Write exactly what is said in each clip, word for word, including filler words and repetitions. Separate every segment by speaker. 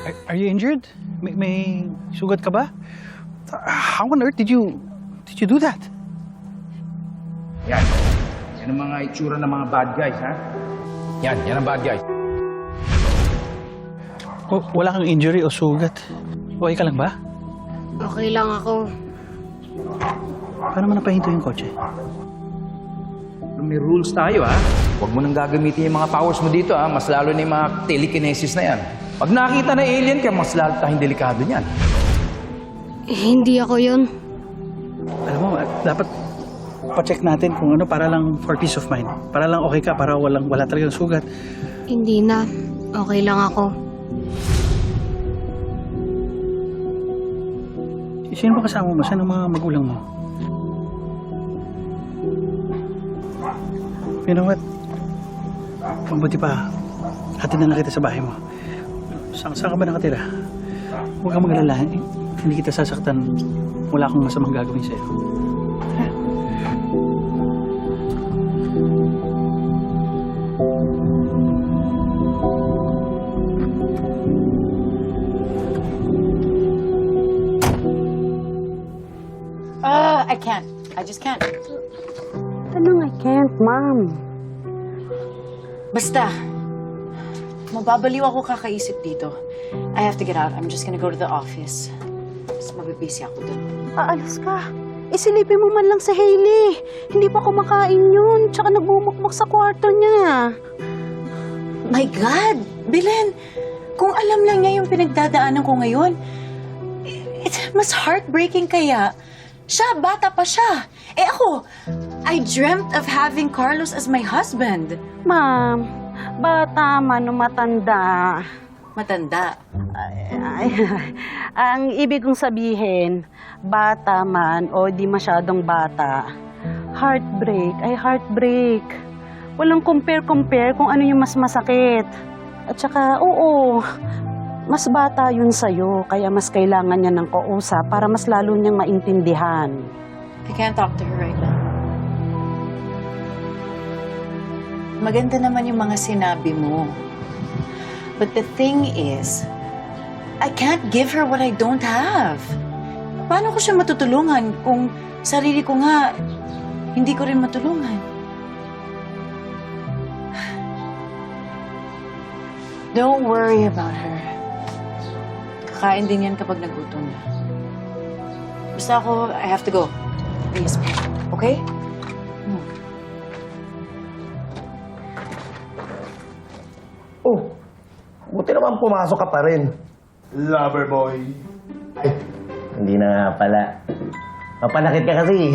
Speaker 1: Are, are you injured? May, may sugat ka ba? How on earth did you did you do that?
Speaker 2: Yan. Yan ang mga itsura ng mga bad guys, ha? Yan, yan ang bad guys.
Speaker 1: W- wala kang injury o sugat. Okay ka lang ba?
Speaker 3: Okay lang ako.
Speaker 1: Paano mo napahinto yung kotse?
Speaker 2: May rules tayo, ha? Huwag mo nang gagamitin yung mga powers mo dito, ha? Mas lalo na yung mga telekinesis na yan. Pag nakita na alien ka, mas lalo tayong delikado niyan.
Speaker 3: Eh, hindi ako yun.
Speaker 1: Alam mo, dapat pa-check natin kung ano para lang for peace of mind. Para lang okay ka, para walang, wala talagang sugat.
Speaker 3: Hindi na. Okay lang ako.
Speaker 1: Sino ba kasama mo? Saan ang mga magulang mo? You know what? Mabuti pa, hatid na lang kita sa bahay mo. Saan, saan ka ba nakatira? Huwag kang mag-alala. Hindi kita sasaktan. Wala akong masamang gagawin sa'yo.
Speaker 4: Uh, I can't. I just can't.
Speaker 5: Anong I can't, Ma'am?
Speaker 4: Basta, mababaliw ako kakaisip dito. I have to get out. I'm just gonna go to the office. Mas mabibisi ako dun.
Speaker 5: Aalis ka. Isilipin mo man lang si Hailey. Hindi pa kumakain yun. Tsaka nagbumukmok sa kwarto niya.
Speaker 4: My God! Belen, kung alam lang niya yung pinagdadaanan ko ngayon, it's mas heartbreaking kaya. Siya, bata pa siya. Eh ako, I dreamt of having Carlos as my husband.
Speaker 5: Ma'am, bata man o matanda.
Speaker 4: Matanda.
Speaker 5: Ay, ay, ang ibig kong sabihin, bata man o di masyadong bata, heartbreak ay heartbreak. Walang compare-compare kung ano yung mas masakit. At saka, oo, mas bata yun sa'yo, kaya mas kailangan niya ng kausap para mas lalo niyang maintindihan.
Speaker 4: I can't talk to her right now. Maganda naman yung mga sinabi mo. But the thing is, I can't give her what I don't have. Paano ko siya matutulungan kung sarili ko nga hindi ko rin matulungan? Don't worry about her. Kakain din yan kapag nagutom na. Basta ako, I have to go. Please, okay? Hmm.
Speaker 6: Oh, buti naman pumasok ka pa rin. Lover boy. Ay, hindi na nga pala. Mapanakit ka kasi.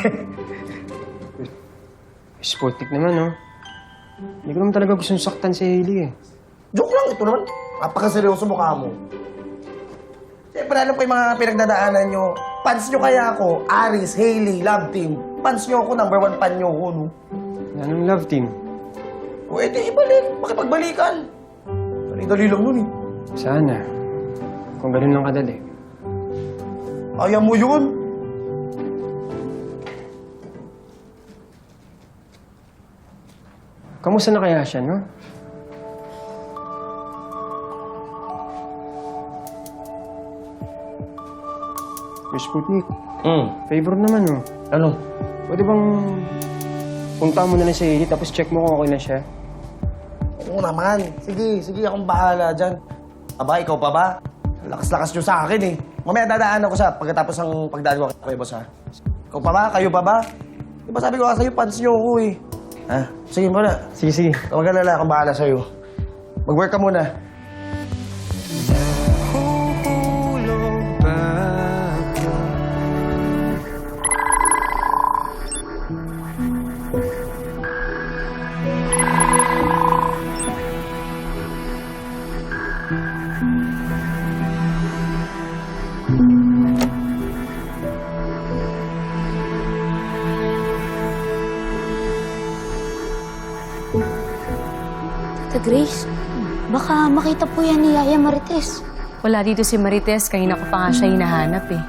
Speaker 7: Sportic naman, no? Hindi ko naman talaga gustong saktan si Hailey, eh.
Speaker 6: Joke lang, ito naman. Napakaseryoso mukha mo. Siyempre, ano pa yung mga pinagdadaanan nyo? Fans nyo kaya ako, Aris, Hailey, Love Team. Fans nyo ako, number one fan nyo ako, no?
Speaker 7: Anong love team?
Speaker 6: O, edi, ibalik. Makipagbalikan. Dali-dali lang nun, eh.
Speaker 7: Sana. Kung ganun lang kadali.
Speaker 6: Ayaw mo yun.
Speaker 7: Kamusta na kaya siya, no? Miss Sputnik,
Speaker 6: Hmm.
Speaker 7: favor naman, no?
Speaker 6: Ano?
Speaker 7: Pwede bang punta mo na lang si Hailey tapos check mo kung okay na siya?
Speaker 6: Oo naman. Sige, sige, akong bahala dyan. Aba, ikaw pa ba? Lakas-lakas nyo sa akin, eh. Mamaya dadaan ako sa pagkatapos ng pagdaan ko kay boss, ha? Ikaw pa ba? Kayo pa ba? Di ba sabi ko nga sa'yo, fans nyo ako, eh. Ha? Sige mo na.
Speaker 7: Sige, sige.
Speaker 6: Huwag ka na lang, akong bahala sa'yo. Mag-work ka muna.
Speaker 3: Tita Grace, baka makita po yan ni Yaya Marites.
Speaker 8: Wala dito si Marites, kanina ko pa nga siya hinahanap eh.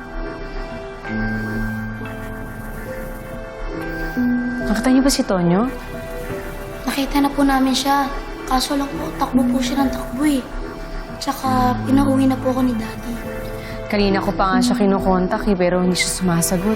Speaker 8: Nakita niyo ba si Tonyo?
Speaker 3: Nakita na po namin siya. Kaso lang po, takbo po siya ng takbo eh. Tsaka, pinauwi na po ako ni Daddy.
Speaker 8: Kanina ko pa nga siya kinokontak eh, pero hindi siya sumasagot.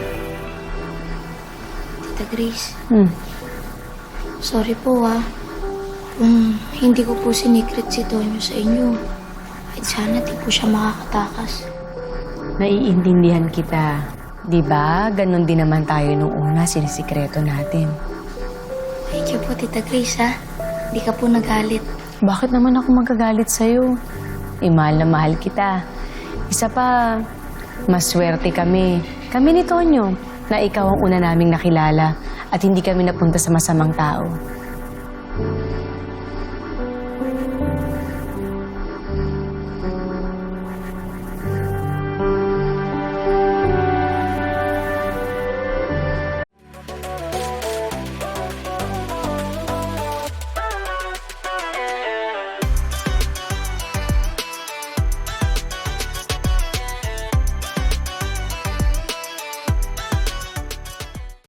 Speaker 3: Tita Grace,
Speaker 8: Hmm.
Speaker 3: sorry po ah. Kung hindi ko po sinikret si Tonyo sa inyo, kahit sana di po siya makakatakas.
Speaker 8: Naiintindihan kita. Di ba? Ganon din naman tayo nung una, sinisikreto natin.
Speaker 3: Thank you po, Tita Grace ha. Di ka po nagalit.
Speaker 8: Bakit naman ako magagalit sa'yo? Eh, mahal na mahal kita. Isa pa, maswerte kami. Kami ni Tonyo, na ikaw ang una naming nakilala at hindi kami napunta sa masamang tao.